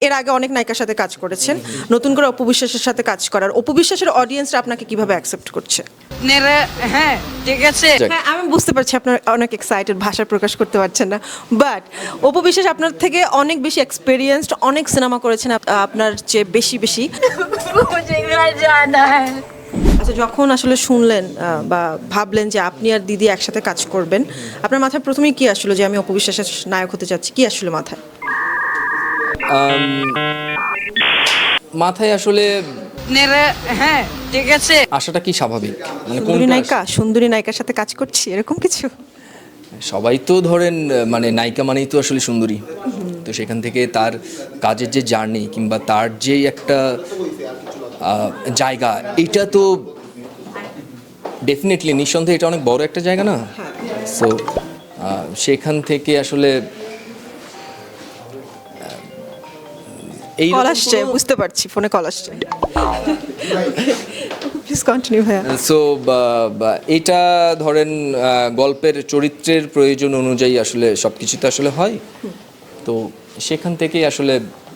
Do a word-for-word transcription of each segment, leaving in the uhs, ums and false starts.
এর আগে অনেক নায়িকার সাথে কাজ করেছেন, নতুন করে অপু বিশ্বাসের সাথে কাজ করার, অপু বিশ্বাসের অডিয়েন্সরা আপনাকে কিভাবে অ্যাকসেপ্ট করছে? নেড়ে হ্যাঁ ঠিক আছে। হ্যাঁ, আমি বুঝতে পারছি আপনার অনেক এক্সাইটেড, ভাষা প্রকাশ করতে পারছেন না, বাট অপু বিশ্বাস আপনার থেকে অনেক বেশি এক্সপেরিয়েন্সড, অনেক সিনেমা করেছেন আপ- আপনার চেয়ে বেশি বেশি। मुझे घर जाना है। আচ্ছা, যখন আসলে শুনলেন আহ, বা ভাবলেন যে আপনি আর দিদি একসাথে কাজ করবেন, আপনার মাথায় প্রথমেই কি আসলো যে আমি অপু বিশ্বাসের নায়ক হতে যাচ্ছি? কি আসলে মাথায়? আম, মাথায় আসলে নেড়ে হ্যাঁ ঠিক আছে। আশাটা কি স্বাভাবিক, মানে সুন্দরী কোনটা নায়িকা, সুন্দরী নায়িকার সাথে কাজ করছি, এরকম কিছু? আস- সবাই তো ধরেন আহ, মানে নায়িকা মানেই তো আসলে সুন্দরী, তো সেখান থেকে তার কাজের যে জার্নি কিংবা তার যে একটা আহ, জায়গা, এটা তো ডেফিনেটলি নিঃসন্দেহে এটা অনেক বড় একটা জায়গা না। সো সেখান থেকে আসলে এই কল আসছে, বুঝতে পারছি, ফোনে কল আসছে। প্লিজ কন্টিনিউ ভাইয়া। সো এটা ধরেন আহ, গল্পের চরিত্রের প্রয়োজন অনুযায়ী আসলে সব কিছু তো আসলে হয়, তো সেখান থেকেই আসলে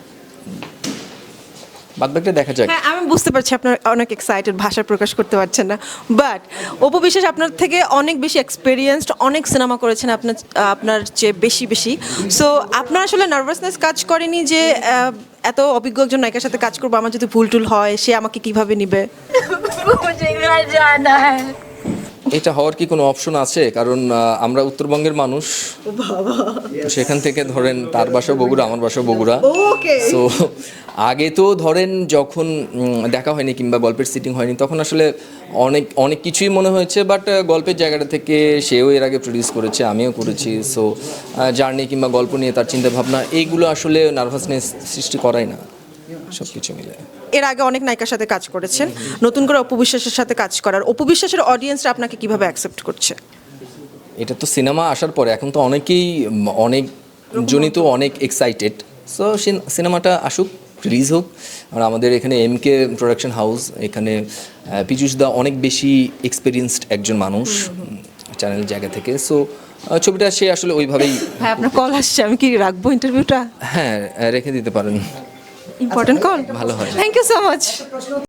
বাদবাকিটা দেখা যাক। হ্যাঁ, আমি বুঝতে পারছি আপনার অনেক এক্সাইটেড, ভাষা প্রকাশ করতে পারছেন না, বাট অপু বিশ্বাস আপনার থেকে অনেক বেশি এক্সপেরিয়েন্সড, অনেক সিনেমা করেছেন আপনার আপনার চেয়ে বেশি বেশি। সো আপনার আসলে নার্ভাসনেস কাজ করেনি যে আহ, এত অভিজ্ঞ একজন নায়িকার সাথে কাজ করবো, আমার যদি ভুল টুল হয় সে আমাকে কিভাবে নিবে? मुझे घर जाना है। এটা হওয়ার কি কোনো অপশন আছে? কারণ আহ, আমরা উত্তরবঙ্গের মানুষ, তো সেখান থেকে ধরেন তার বাসা বগুড়া, আমার বাসা বগুড়া। ওকে। সো আগে তো ধরেন যখন উম, দেখা হয়নি কিংবা গল্পের সিটিং হয়নি, তখন আসলে অনেক অনেক কিছুই মনে হয়েছে, বাট গল্পের জায়গাটা থেকে সেও এর আগে প্রডিউস করেছে, আমিও করেছি। সো জার্নি কিংবা গল্প নিয়ে তার চিন্তাভাবনা, এইগুলো আসলে নার্ভাসনেস সৃষ্টি করাই না, সব কিছু মিলে। এর আগে অনেক নায়িকার সাথে কাজ করেছেন, নতুন করে অপু বিশ্বাসের সাথে কাজ করার, অপু বিশ্বাসের অডিয়েন্সরা আপনাকে কিভাবে অ্যাকসেপ্ট করছে? এটা তো সিনেমা আসার পরে এখন তো অনেকেই উম, অনেক জনই তো অনেক এক্সাইটেড। সো সিনেমাটা আসুক, রিলিজ হোক। আর আমাদের এখানে এম কে প্রোডাকশন হাউস, এখানে আহ, পীযূষ দা অনেক বেশি এক্সপিরিয়েন্সড একজন মানুষ চ্যানেল জায়গা থেকে। সো ছবিটা সে আসলে ওইভাবেই, হ্যাঁ, আপনার কল আসছে, আমি কি রাখবো ইন্টারভিউটা? হ্যাঁ রেখে দিতে পারেন, ইম্পর্টেন্ট কল। ভালো হয়। Thank you so much.